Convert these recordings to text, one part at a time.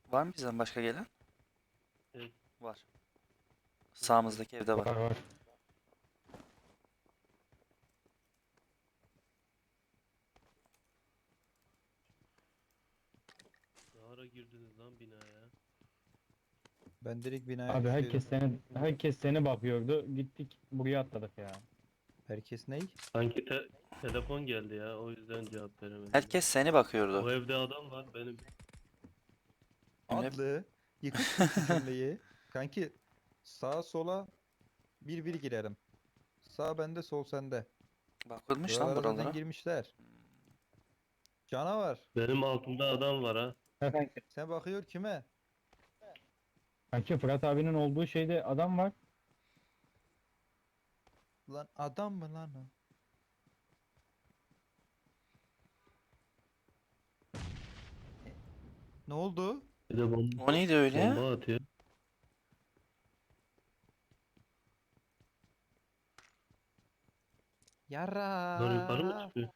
Var mı bizden başka gelen? Evet. Var. Sağımızdaki evde var. Var var. Ne ara girdiniz lan binaya? Ben direkt binaya Abi düşüyordum. herkes seni bakıyordu. Gittik buraya atladık ya. Herkes ney? Sanki telefon geldi ya, o yüzden cevap veremedim. Herkes seni bakıyordu. O evde adam var benim. Emre Adlı. Yıkık kur şu cümleyi. Kanki sağa sola bir bir girerim. Sağ bende sol sende. bakılmış lan Buralara zaten buralara. girmişler. Canavar. Benim altımda adam var ha. Ha kanki. Sen bakıyor kime? Kanki Fırat abinin olduğu şeyde adam var. Lan adam mı lan o? Ne oldu? Bir de O neydi öyle? bomba atıyor. Bunlar yukarı mı Yara. çıkıyor?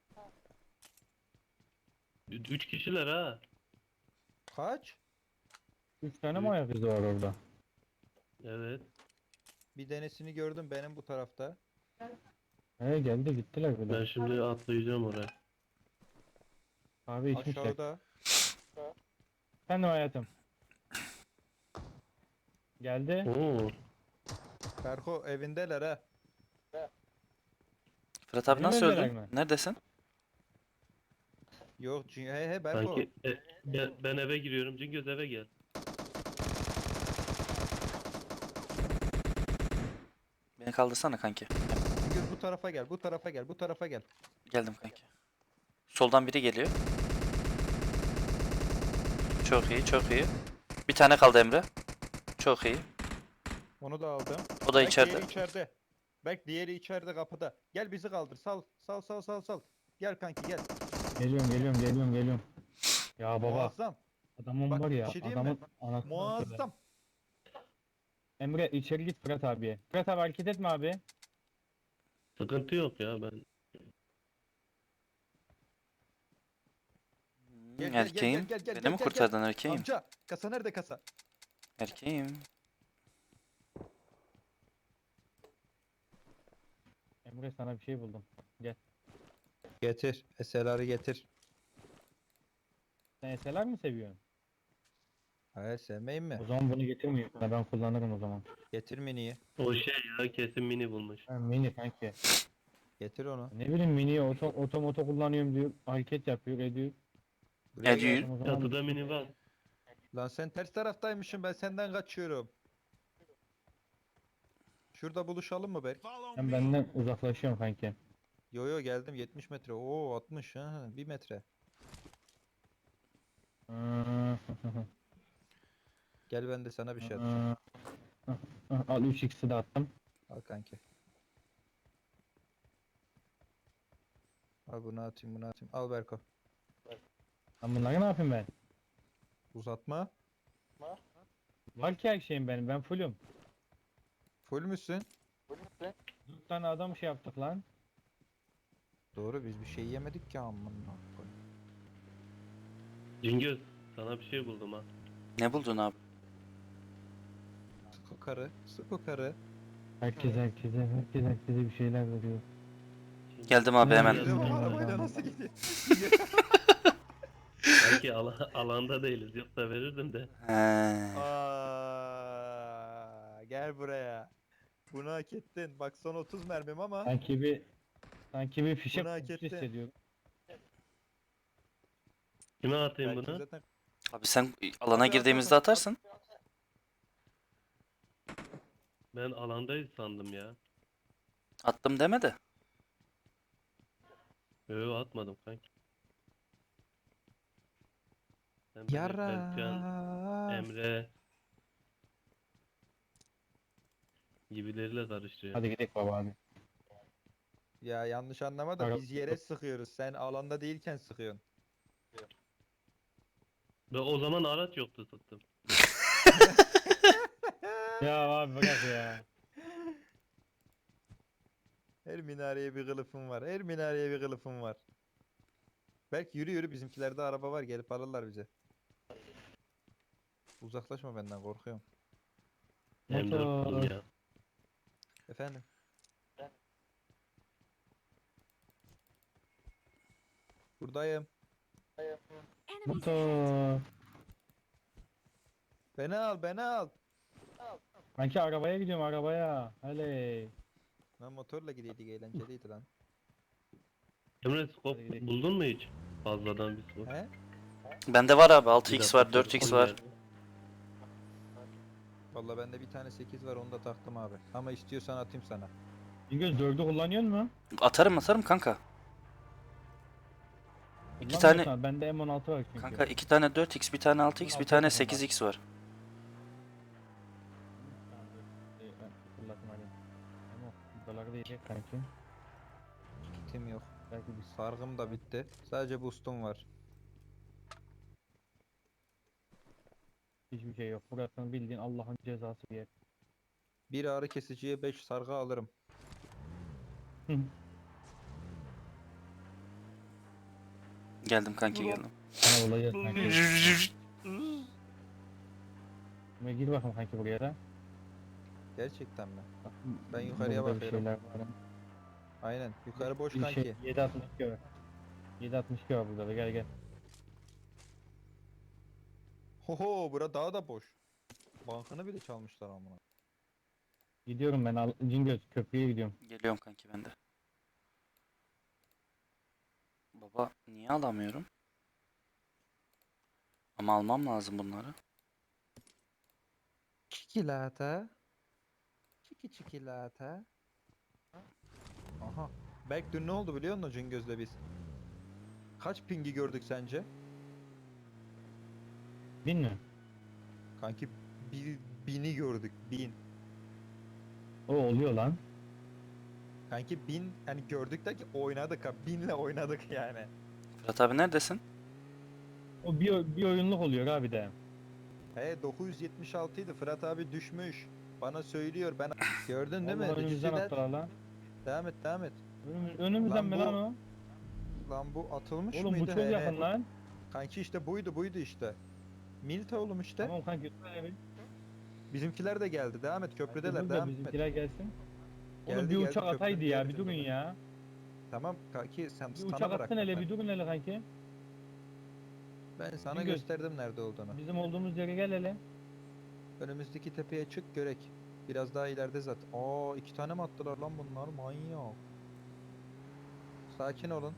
Üç kişiler ha. Kaç? 3 tane mi Üç. ayak izi var orada? Evet. Bir denesini gördüm benim bu tarafta. He geldi gittiler Ben bile. şimdi atlayacağım oraya. Abi içmişler. Aşağıda. Efendim hayatım. Geldi. Oo. Berko evindeler ha. Fırat abi Benim nasıl evdeler öldün? mi? Neredesin? Yok he Berko. Sanki ben eve giriyorum. Cingöz eve gel. Beni kaldırsana kanki. Güz bu tarafa gel, bu tarafa gel, bu tarafa gel. Geldim kanki. Soldan biri geliyor. Çok iyi, çok iyi. Bir tane kaldı Emre. Çok iyi. Onu da aldım. O da Berk içeride. diğeri içeride. Berk diğeri içeride kapıda. Gel bizi kaldır. Sal, sal, sal, sal, sal. Gel kanki gel. Geliyorum. Ya baba Muazzam. adamın Bak, var bir ya şey diyeyim mi? adamın anasını satayım. Muazzam. Emre içeri git Fırat abiye. Fırat abi hareket etme abi. Sıkıntı yok ya ben. Gel, gel, gel, Erkeğim. gel, gel, Beni gel, mi gel, kurtardın erkeğim? Amca, kasa nerede kasa? Erkeğim. Emre sana bir şey buldum. Gel. Getir. SLR'ı getir. Sen SLR mi seviyorsun? Hayır sevmeyin mi? O zaman bunu getirmeyeyim sana ben kullanırım o zaman. Getir miniyi. O şey ya, kesin mini bulmuş. Ha, mini kanki. Getir onu. Ne bileyim mini oto kullanıyorum diyor. Hareket yapıyor ediyor. Buraya Ediyor. gel. O zaman Çatıda mini var. Lan sen ters taraftaymışsın, ben senden kaçıyorum. Şurada buluşalım mı Berk? sen benden uzaklaşıyorsun kanki. Yo yo geldim 70 metre. Oo 60 ha 1 metre. Gel ben de sana bir şey atacağım. Al 3x'i de attım. Al kanki. Al bunu atayım bunu atayım. Al Berko. Ben bunları ne yapayım ben? Uzatma. Var ki her şeyim benim. Ben fullüm. Full müsün? 4 tane adam şey yaptık lan. Doğru biz bir şey yemedik ki amına koyayım. Cingöz sana bir şey buldum ha. Ne buldun abi? Sık o karı. Sık o karı. Herkese bir şeyler veriyor. Geldim abi hemen. Geliyor mu arabayla nasıl gidiyor? Belki alanda değiliz. Yoksa verirdim de. He. Aa, gel buraya. Bunu hak ettin. Bak son 30 mermim ama Sanki bir fişek Bunu hak kokusu ettin. hissediyorum. Kime atayım belki bunu? zaten Abi sen alana Abi, girdiğimizde at. atarsın. Ben alandayız sandım ya. Attım deme de. Yo atmadım kanki. Sen beni Berkcan, Yara. Emre gibileriyle karıştırıyorsun. Hadi gidelim baba abi. Ya yanlış anlama da Ara- biz yere sıkıyoruz. Sen alanda değilken sıkıyorsun. Ve o zaman araç yoktu tuttum. Ya abi bırak ya. Her minareye bir kılıfım var. Her minareye bir kılıfım var. Belki yürü yürü bizimkilerde araba var gelip alırlar bize. Uzaklaşma benden, korkuyorum. M4 buldum Motor. ya. Efendim? Buradayım. Enemies ahead! Motor. Beni al, beni al. Kanki arabaya gidiyorum arabaya. Hele. Lan motorla gideydik, eğlenceliydi lan. Emre scope Hadi gidelim. buldun mu hiç? Fazladan bir scope. He? Bende var abi. Bir 6x var, dakika, 4x telefon var. geldi. Vallahi bende bir tane 8 var, onu da taktım abi. Ama istiyorsan atayım sana. Cingöz 4'ü kullanıyor mu? Atarım kanka. İki Kullanmıyorsan tane bende M16 var çünkü. kanka 2 tane 4x, bir tane 6x, bir tane 8x var. Tamam, dur. Ben fırlatayım hadi. Ama doları da yiyecek kanki. Kitim yok. Belki bir Sargım da bitti. Sadece boostum var. hiçbir şey yok. Burasını bildiğin Allah'ın cezası bir yer. Bir ağrı kesiciye 5 sargı alırım. Geldim kanki geldim. Sana bulacağız kanki. Şimdi gir bakalım kanki buraya da. Gerçekten mi? Bak, Ben yukarıya burada bakıyorum. Bir şeyler var. Aynen. Yukarı boş Bir kanki. şey 7.62 var. 7.62 var burada da gel gel. Hoho, bura daha da boş. Bankını bile çalmışlar amına. Gidiyorum ben Cingöz köprüye gidiyorum. Geliyorum kanki ben de. Baba niye alamıyorum? Ama almam lazım bunları. Çikolata. Çikolata. Aha. Berk dün ne oldu biliyor musun Cingöz'le biz? Kaç pingi gördük sence? Bin mi? Kanki bini gördük. 1000. O oluyor lan. Kanki 1000 hani gördük de ki oynadık ha. 1000'le oynadık yani. Fırat abi neredesin? O bir oyunluk oluyor abi de. He 976 idi. Fırat abi düşmüş. Bana söylüyor. Ben gördün değil mi? Vallahi önümüzden Düştüler. attılar lan. Devam et, devam et. Önümüzden Lan mi bu lan o? Lan bu atılmış Oğlum bu mıydı? çok He, he. yakın lan. Kanki işte buydu işte. Milta oğlum işte. Tamam kanki öyle bir. Bizimkiler de geldi. Devam et, köprüdeler. Dur da Devam et. bizimkiler gelsin. Geldi, Oğlum bir geldi, uçak köprünün ataydı diğer ya bir durun ucunda. ya. Tamam kanki, sen Bir sana uçak atsın bıraktım hele ben. bir durun hele kanki. Ben sana Cingöz. gösterdim nerede olduğunu. Bizim olduğumuz yere gel hele. Önümüzdeki tepeye çık görek. Biraz daha ileride zaten. Aa, 2 tane mi attılar lan bunlar? Manyak. Sakin olun.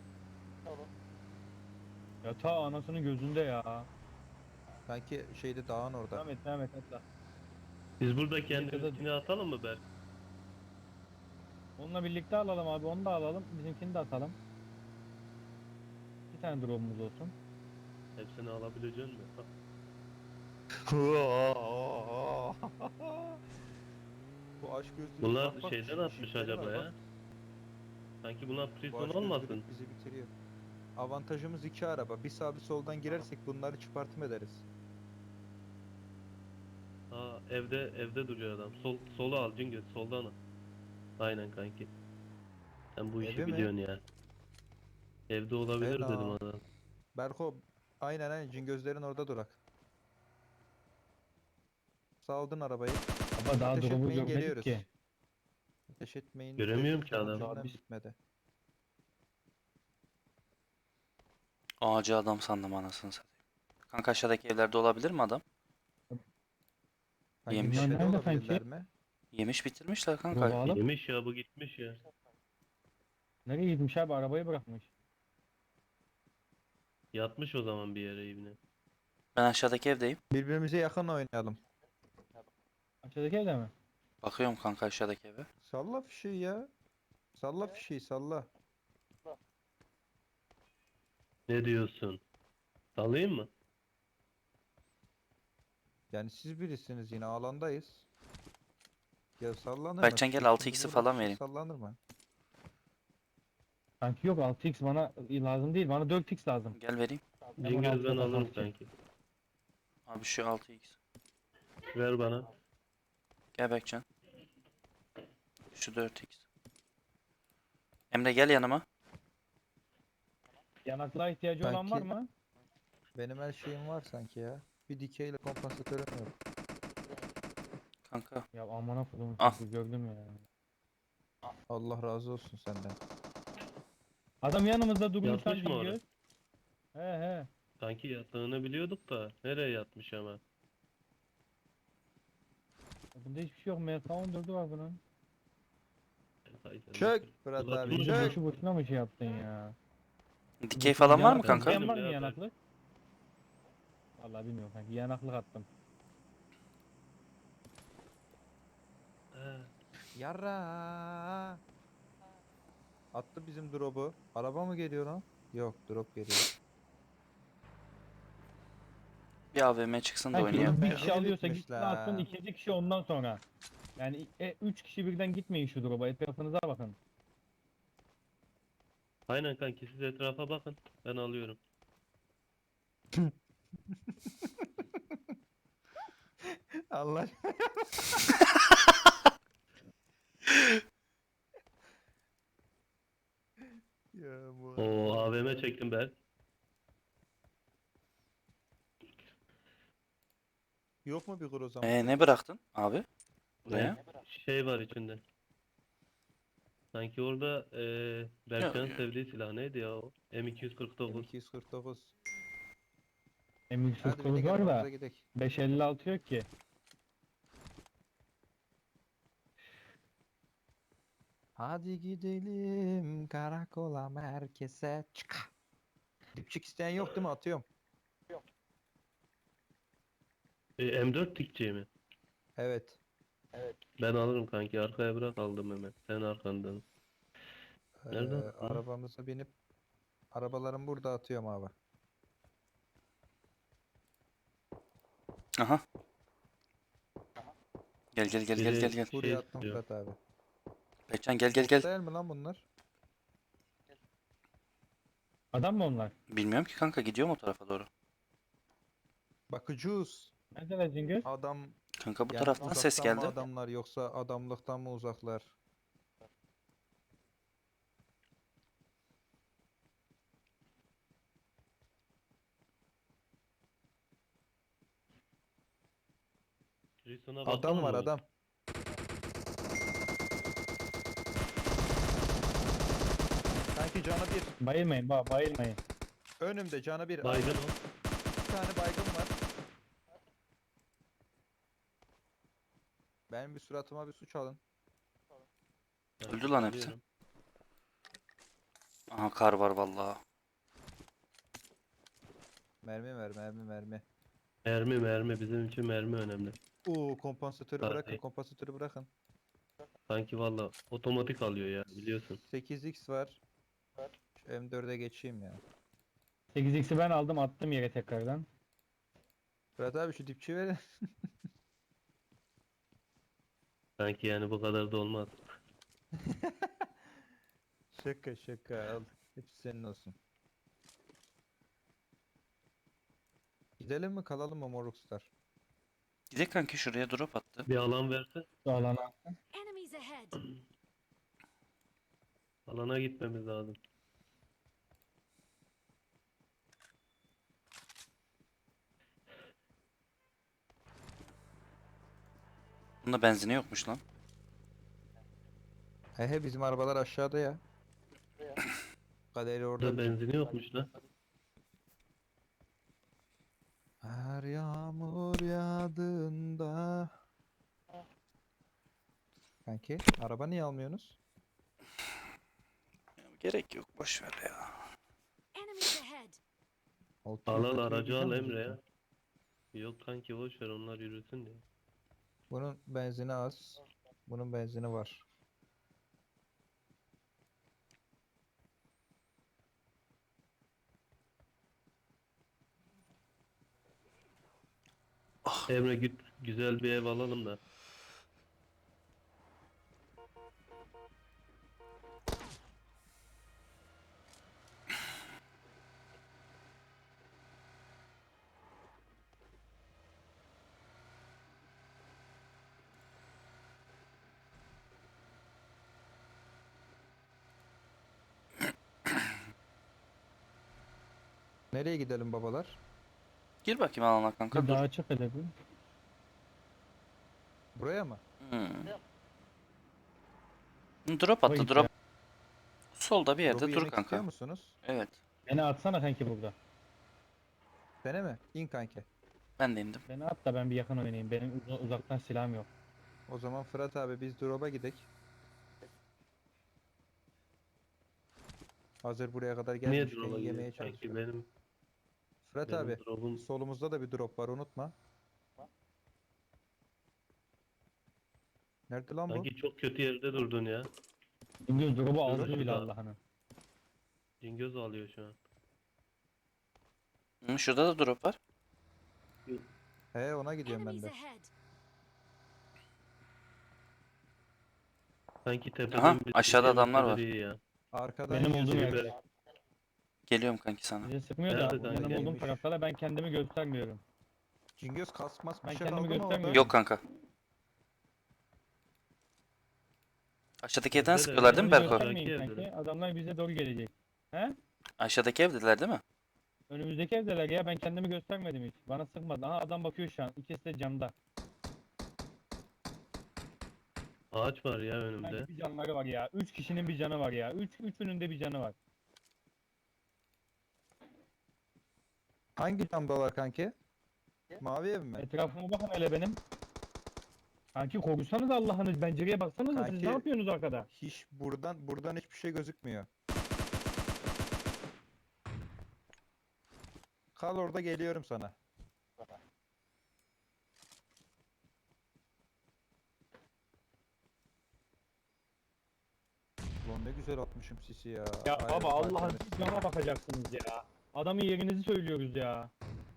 Ya ta anasının gözünde ya. Kanki şeyde, dağın orada. Devam et atla. Biz burada Birlikte de- kendiminkini atalım mı Berk? Onunla birlikte alalım abi onu da alalım. Bizimkini de atalım. Bir tane drone'umuz olsun. Hepsini alabilecek misin? Bu aşk gözlülük. Bunlar bak bak, şeyden şu atmış jipleri acaba var, ya. bak. Sanki bunlar Bu prison aşk olmasın. gözlülük bizi bitiriyor. Avantajımız 2 araba. Bir sağ bir soldan girersek bunları çıpartım ederiz. Aa evde duruyor adam. Solu al Cingöz soldan al. Aynen kanki. Sen bu işi Evi mi? biliyorsun ya. Evde olabilir Fena. dedim adam. Berko, aynen Cingözlerin orada durak. Saldın arabayı. Ama daha Ateş drone'u etmeyin, görmedik geliyoruz. ki. Ateş etmeyin. Göremiyorum dedim ki adamı. cümlem Daha biz- bitmedi. Ağacı adam sandım anasını satayım. Kanka aşağıdaki evlerde olabilir mi adam? Hangi Yemiş. tepede Nerede olabilirler sanki? mi? Yemiş bitirmişler Drone'u kanka. alıp Yemiş ya bu gitmiş ya. nereye gitmiş abi arabayı bırakmış. Yatmış o zaman bir yere ibne. Ben aşağıdaki evdeyim. Birbirimize yakın oynayalım. Aşağıdaki evde mi? Bakıyorum kanka aşağıdaki eve. Salla fişeği ya. Salla fişeği, salla. Ne diyorsun? Salayım mı? Yani siz birisiniz, yine alandayız. Ya sallanır mı? Berkcan gel, Fişek 6x'i şimdi falan burada vereyim. sallanır mı? Kanki yok 6x bana lazım değil bana 4x lazım. Gel vereyim. Cingöz ben altı alırım altı. sanki. Abi şu 6x. Ver bana. Gel Berkcan. Şu 4x. Emre gel yanıma. Yanaklığa ihtiyacı olan var Kanki- mı? Benim her şeyim var sanki ya. Hiçbir dikeyle kompansatörüm yok. Kanka. Ya amına kodum Al. çocuğu gördüm ya. Allah razı olsun senden. Adam yanımızda durmuş lan Yatmış mı orada? Cingöz. He he. Kanki yattığını biliyorduk da nereye yatmış ama. Bunda hiçbir şey yok. MK14'ü var bunun. Hay sen Çök de- Fırat Ulan abi bir- Bunu çök. boşu boşuna mı şey yaptın ya? Dikey falan var mı Yanaklık kanka? isteyen var mı Ya ben- yanaklık? Vallahi bilmiyorum kanka. Yanaklık attım. He. Yarra. Attı bizim drop'u. Araba mı geliyor lan? Yok, drop geliyor. Bir AVM çıksın da Kanki oynayalım bir ya. kişi alıyorsa Gitmiş gitsin atsın, la. ikinci kişi ondan sonra. Yani 3 kişi birden gitmeyin şu drop'a. Etrafınıza bakın. Aynen kanki siz etrafa bakın. Ben alıyorum. Allah. Ya bu O AVM çektim ben. Yok mu bir kur o zaman? Ne bıraktın abi? Buraya. Şey var içinde. Sanki orada Berkcan'ın Ya. sevdiği silah neydi ya o? M249. 249. M149 Hadi bir de var da arabamıza gidelim. 556 yok ki. Hadi gidelim karakola merkeze çık. Dipçik isteyen yok değil mi? Atıyorum. M4 tikçi mi? Evet. Ben alırım kanki. Arkaya bırak aldım hemen. Sen arkandan. Nerede o? Arabamıza binip arabalarımı burada atıyorum abi. Aha. Gel gel gel gel Biri gel gel. Buraya şey attım istiyor. Fırat abi. Berkcan gel gel Bot gel. değil mi lan bunlar? Adam mı onlar? Bilmiyorum ki kanka, gidiyor mu o tarafa doğru? Bakıcıyız. Neredeler Cingöz? Adam Kanka bu yani taraftan ses uzaktan mı geldi. adamlar yoksa adamlıktan mı uzaklar? Rison'a Adam bakalım var mı? adam. Sanki canı bir. Bayılmayın bayılmayın. Önümde canı bir. Baygın Aynen. o. Bir tane baygın var. Benim bir suratıma bir su çalın. Ben Öldü lan hepsi. alıyorum. Aha kar var vallahi. Mermi ver mermi. Mermi bizim için mermi önemli. Oo kompansatörü Daha bırakın iyi. kompansatörü bırakın. Sanki valla otomatik alıyor ya biliyorsun. 8x var. Şu M4'e geçeyim ya. 8x'i ben aldım attım yere tekrardan. Fırat abi şu dipçi verin. Sanki yani bu kadar da olmaz. Şaka al. Hepsi senin olsun. Gidelim mi kalalım mı Morukstar? Gidelim kanki, şuraya drop attı. Bir alan verse Şu alana. Enemies ahead. alana gitmemiz lazım. Bunda benzini yokmuş lan. He bizim arabalar aşağıda ya. Kaderi orada. Burada benzini yokmuş lan. Her yağmur yağdığında. Kanki araba niye almıyorsunuz? Gerek yok, boş ver ya. Enemies ahead. Al 600'deki aracı güzel al mi Emre ya. cidden? Yok kanki boş ver onlar yürüsün diye. Bunun benzini az. Bunun benzini var. Emre git güzel bir ev alalım da. Nereye gidelim babalar? Gir bakayım alana kanka Bir dur. daha açık hele bir. Buraya mı? Hmm. Drop Baba attı git drop. ya. Solda bir yerde Drop'u dur yemek istiyor kanka. musunuz? Evet. Beni atsana kanki burada. Sene mi? İn kanki. Ben de indim. Beni at da ben bir yakın oynayayım. Benim uzaktan silahım yok. O zaman Fırat abi biz drop'a gidek. Hazır buraya kadar Niye gelmişken drop'a yemeye gidiyor sanki çalışıyor. Fırat benim abi drop'um solumuzda da bir drop var unutma. Nerede lan bu? sanki çok kötü yerde durdun ya. İngiliz drop'u aldı Şurada. bile Allah'ını. Cingöz alıyor şu an. Şurada da drop var. He ona gidiyorum ben Enemies de. ahead. Sanki tepeden Aha, bir aşağıda yemek adamlar var. iyi ya. Arkadan Benim olduğum yiyorsun. yerde. Geliyorum kanki sana. Bize sıkmıyor da Nerede kanka? benim olduğum Gelmiş. tarafta da ben kendimi göstermiyorum. Cingöz kasmas bir Ben şey kendimi kaldı mı orada? göstermiyorum. Yok kanka. Aşağıdaki evden Evde de sıkıyorlar değil mi öyle. Berko? Göstermeyin Belki kanki. evdeler. Adamlar bize doğru gelecek. He? Aşağıdaki evdeler değil mi? Önümüzdeki evdeler ya, ben kendimi göstermedim hiç. Bana sıkmadı. Aha adam bakıyor şu an. İkisi de camda. Ağaç var ya önümde. Kanki bir canları var ya. 3 kişinin bir canı var ya. Üçünün de bir canı var. Hangi camdalar kanki? Mavi ev mi? Etrafıma bakın hele benim. Kanki korkusanız Allah'ınız, pencereye baksanıza, siz Kanki- ne yapıyorsunuz arkada? Hiç buradan hiçbir şey gözükmüyor. Kal orada geliyorum sana. Ulan ne güzel atmışım sisi ya. Ya Ayrı baba Allah'ın malzemesi. siz cama bakacaksınız ya. Adamın yerinizi söylüyoruz ya.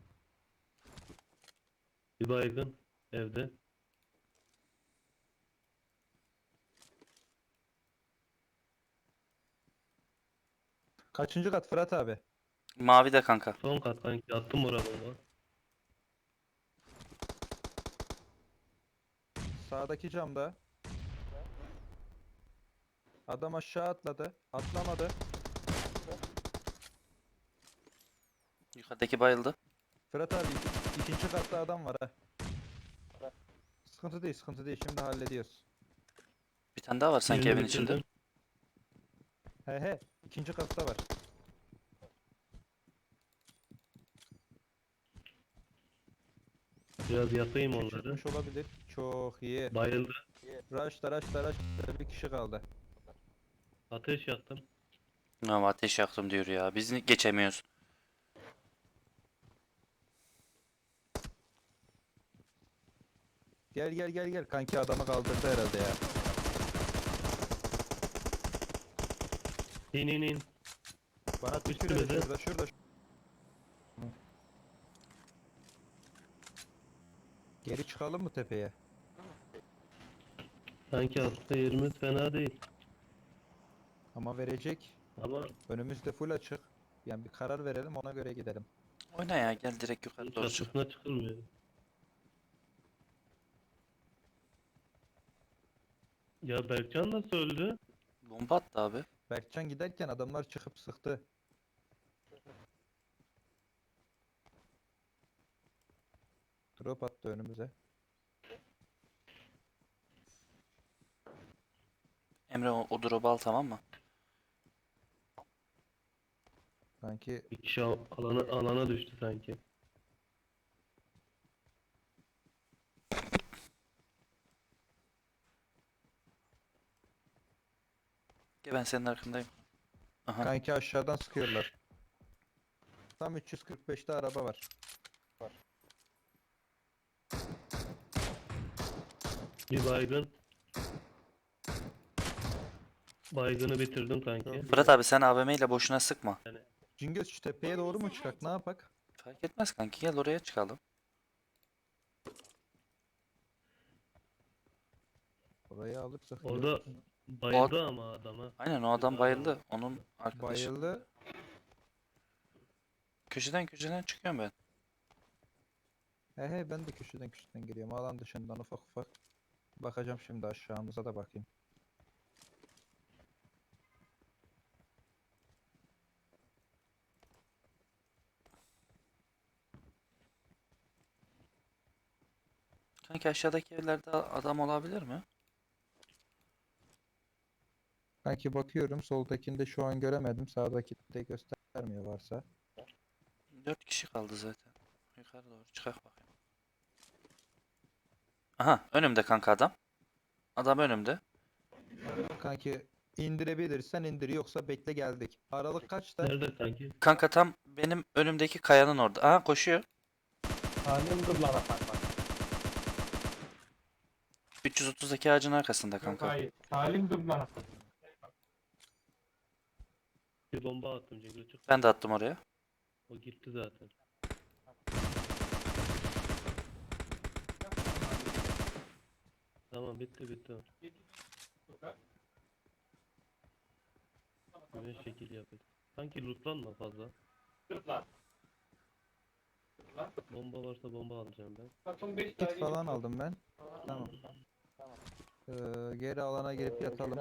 Bir baygın evde. Kaçıncı kat Fırat abi? Mavi de kanka. Son kat kanki attım oraya bomba. Sağdaki camda. Adam aşağı atladı. Atlamadı. Yukarıdaki bayıldı. Fırat abi ikinci katta adam var ha. Sıkıntı değil, sıkıntı değil. Şimdi hallediyoruz. Bir tane daha var sanki Birini evin içinde. bitirdim. He he, ikinci katta var. Biraz yakayım onları. Çıkmış olabilir. Çok iyi. Bayıldı. Rush'ta bir kişi kaldı. Ateş yaktım. Ama ateş yaktım diyor ya. Biz geçemiyoruz. Gel. Kanki adamı kaldırdı herhalde ya. İn. Bana Üstümüze. tükürüyor şurada. Geri çıkalım mı tepeye? Sanki aslında yerimiz fena değil. Ama verecek. Ama Önümüzde full açık. Yani bir karar verelim ona göre gidelim. Oyna ya gel direkt yukarı doğru çık. çatısına çıkılmıyor. Ya Berkcan nasıl öldü? Bomba attı abi. Berkcan giderken adamlar çıkıp sıktı. Drop attı önümüze. Emre o drop'u al tamam mı? Sanki Bir kişi alana düştü sanki. Gel ben senin arkandayım. Aha. kanki aşağıdan sıkıyorlar. Tam 345'te araba var. Bir baygın. Baygını bitirdim kanki. Fırat abi sen AVM ile boşuna sıkma. Cingöz şu tepeye doğru mu çıkak? Ne yapak? Fark etmez kanki gel oraya çıkalım. Orayı alırsak. Orada bayıldı ama adama. Aynen o adam bayıldı. Onun arkadaşı. Bayıldı. Köşeden çıkıyorum ben. He ben de köşeden geliyorum. Alan dışından ufak. Bakacağım şimdi aşağımıza da bakayım. Kanki aşağıdaki evlerde adam olabilir mi? Kanki bakıyorum. Soldakinde şu an göremedim. Sağdaki de göstermiyor varsa. 4 kişi kaldı zaten. Yukarı doğru çıkak bakayım. Aha önümde kanka adam. Adam önümde. Kanki indirebilirsen indir. Yoksa bekle geldik. Aralık kaçta? Nerede kanki? Kanka tam benim önümdeki kayanın orada. Aha koşuyor. Halim dur lan bak. 330'daki ağacın arkasında kanka. Hayır. Halim dur lan. Bir bomba attım Cengiz. Çık. Ben de attım oraya. O gitti zaten. Tamam bitti bitti. Böyle şekil yapıyor. Sanki lootlanma fazla. Bomba varsa bomba alacağım ben. Kit falan aldım ben. Tamam. Geri alana girip yatalım.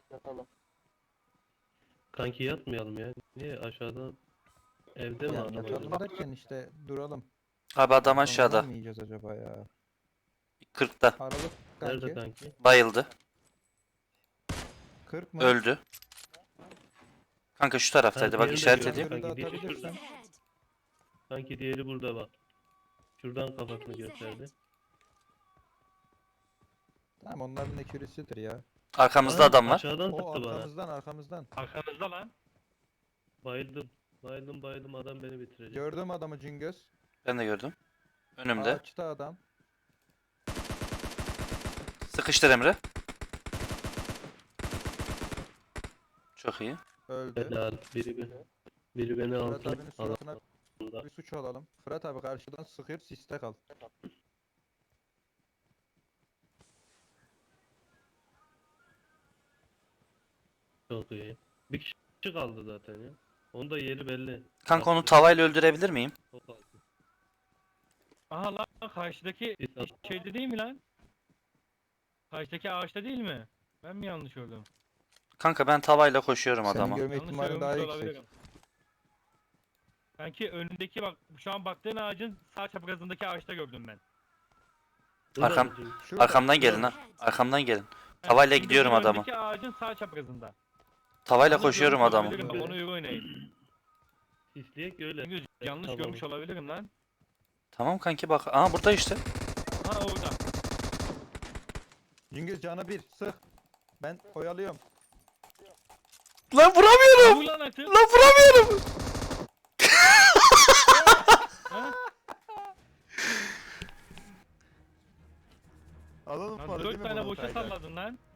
Kanki yatmayalım ya. Niye aşağıdan evde mi Yani adam yatalım acaba? derken işte duralım. Abi adam Sonra aşağıda. mı yiyeceğiz acaba ya? 40'ta. Aralık Nerede kanki. kanki? Bayıldı. 40 mı? Öldü. Kanka şu taraftaydı. Bak diğerini de işaret gördüm. edeyim. Görüldü, Kanki diğeri atabilirsin. şurada. Ahead. Sanki diğeri burada bak. Şuradan kafasını Enemies gösterdi. ahead. Tamam onların ekürisidir ya. Arkamızda Aa, adam var. Aşağıdan O sıktı bana. arkamızdan. Arkanızda lan. Bayıldım. Bayıldım adam beni bitirecek. Gördüm adamı Cingöz. Ben de gördüm. Önümde. Ağaçta adam. Sıkıştır Emre. Çok iyi. Öldü. Helal. Biri beni Fırat alsın. abinin suratına Alanında. bir suç alalım. Fırat abi karşıdan sıkıyor, siste kal. Çok iyi. Bir kişi kaldı zaten ya. Onun da yeri belli. Kanka onu Attı. tavayla öldürebilir miyim? Çok altı. Aha lan karşıdaki Bir sat- şeyde değil mi lan? Karşıdaki ağaçta değil mi? Ben mi yanlış gördüm? Kanka ben tavayla koşuyorum Senin adama. görme Yanlış ihtimali daha görmüş yüksek. olabilirim. Sanki önündeki bak şu an baktığın ağacın sağ çaprazındaki ağaçta gördüm ben. Burada Arkam- mı Cengiz? Şurada. Arkamdan gelin ha. Ahead. Arkamdan gelin. Ha, Tavayla şimdi gidiyorum bu adama. Öndeki ağacın sağ çaprazında. Tavayla Onu koşuyorum görmüş adamı. olabilirim, bak, Onu iyi oynayın. Sisleyek öyle. Çünkü yanlış tamam. görmüş olabilirim lan. Tamam kanki bak. Aa burada işte. Ha orada. Cingöz canı bir, sık. Ben oyalıyorum. Lan vuramıyorum. Vur lan atı. Lan vuramıyorum. Ha? Alalım Lan para değil 4 mi tane bunu boşa Tayga? salladın lan.